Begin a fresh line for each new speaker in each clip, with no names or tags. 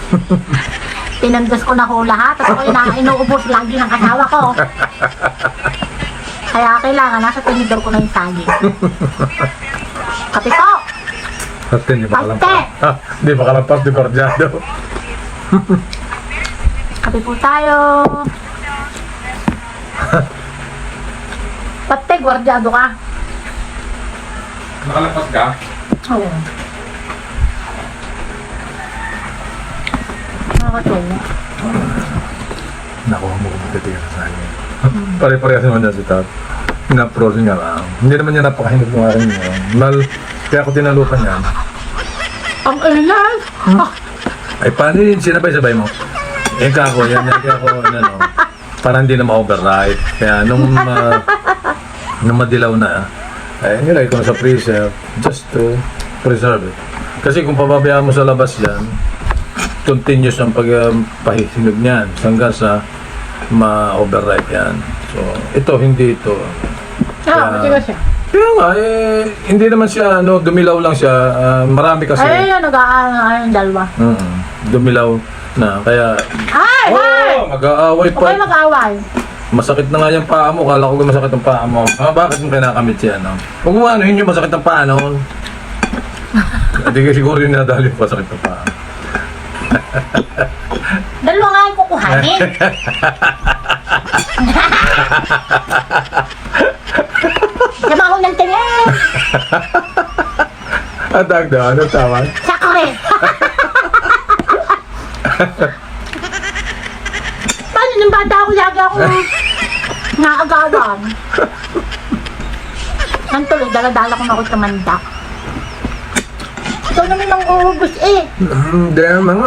Tinandos ko na ho lahat. Tapos ako inuubos lagi ng kasawa ko. Kaya kailangan nasa tinidor ko na yung saging. Kape po!
Ate, hindi ba kalampas?
Ate!
Hindi ba kalampas di Gordiado?
Kape po tayo. Pate, gwardyado ka.
Nakalampas ka?
Oo. Nakakatawa.
Nakuha mo kung magtitigil sa akin. Pare-parehas naman niya si Tat. Pina-frozen nga lang. Hindi naman niya napakahinog ng akin niya. Kaya ako tinalupan yan.
Ang ilan!
Ay, paano yun? Sinabay-sabay mo? Eh, kako, yan ako, ano, para hindi na ma-override. Kaya nung madilaw na, ay, nilagay ko na sa freezer just to preserve it. Kasi kung pababayaan mo sa labas yan, continuous ang pagpahihinog niyan hanggang sa ma-override yan. So, ito, hindi ito.
Matigas siya.
Kaya nga, hindi naman siya, dumilaw lang siya. Marami kasi.
Ay, nag-aano yung dalawa.
Dumilaw na, kaya...
Ay! Ay!
Mag-aaway pa.
Okay, mag-away.
Masakit na nga yung paa mo. Kala ko masakit ang paa mo. Bakit mo kinakamit yan? Huwag mo ano, yun yung masakit ang paa noon. Hindi ka siguro yung nadali yung masakit ang paa.
Dalawa nga yung kukuhanin. Sama ako ng tingin.
Atag daw, ano tawag?
Sakre. Paano nung bata ako, lagi ako naagawan. Ang tuloy, dala-dala ko na ako tumanda. Ikaw naman ang uubos eh.
Hindi mga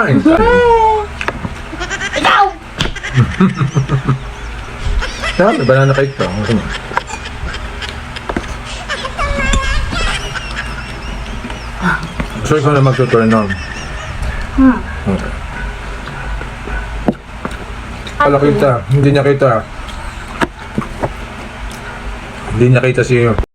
Ikaw!
Sabi, banana cake to. Ano mo? So, ikaw na mag-turn on. Okay. Wala kita. Hindi niya kita. Hindi niya kita si